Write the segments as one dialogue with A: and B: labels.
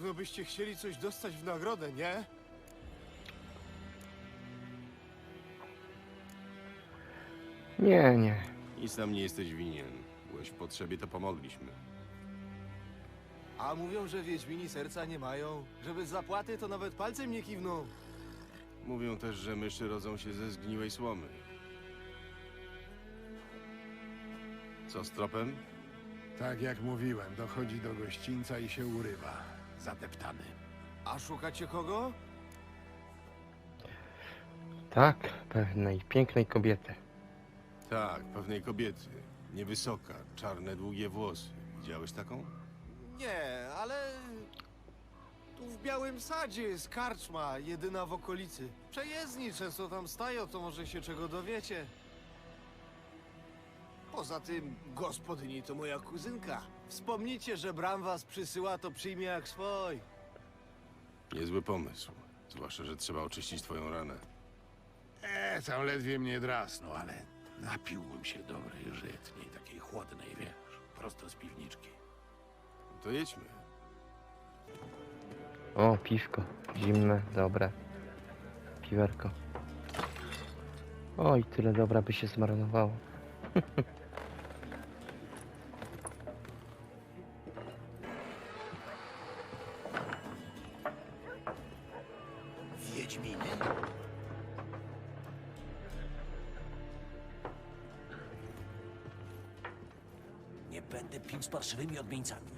A: pewno byście chcieli coś dostać w nagrodę, nie?
B: Nie, nie.
C: Nic nam nie jesteś winien. Byłeś w potrzebie, to pomogliśmy.
A: A mówią, że Wiedźmini serca nie mają. Że bez zapłaty to nawet palcem nie kiwną.
C: Mówią też, że myszy rodzą się ze zgniłej słomy. Co z tropem?
D: Tak jak mówiłem, dochodzi do gościńca i się urywa. Zadeptany.
A: A szukacie kogo?
B: Tak, pewnej pięknej kobiety.
C: Tak, pewnej kobiety. Niewysoka, czarne, długie włosy. Widziałeś taką?
A: Nie, ale... Tu w Białym Sadzie jest karczma, jedyna w okolicy. Przejezdni często tam stają, to może się czego dowiecie. Poza tym, gospodyni to moja kuzynka. Wspomnijcie, że Bram was przysyła, to przyjmie jak swój.
C: Niezły pomysł. Zwłaszcza, że trzeba oczyścić twoją ranę.
D: Tam ledwie mnie drasnął, ale napiłbym się dobrej żytniej, takiej chłodnej, wiesz, prosto z piwniczki.
C: To jedźmy.
B: O, piwko. Zimne, dobre. Piwerko. Oj, tyle dobra by się zmarnowało.
E: Wiedźminy? Nie będę pił z parszywymi odmieńcami.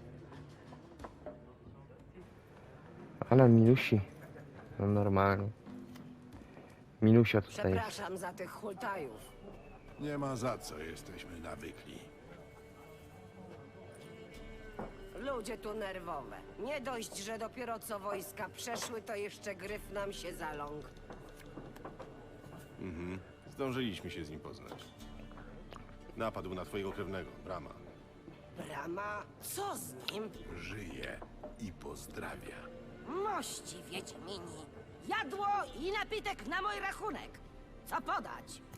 B: Ale Milusi. No normalnie. Milusia tutaj jest.
F: Przepraszam za tych hultajów.
D: Nie ma za co, jesteśmy nawykli.
F: Ludzie tu nerwowe. Nie dość, że dopiero co wojska przeszły, to jeszcze gryf nam się zaląkł.
C: Zdążyliśmy się z nim poznać. Napadł na twojego krewnego, Brama.
F: Brama, co z nim?
D: Żyje i pozdrawia.
F: Mości Wiedźmini. Jadło i napitek na mój rachunek. Co podać?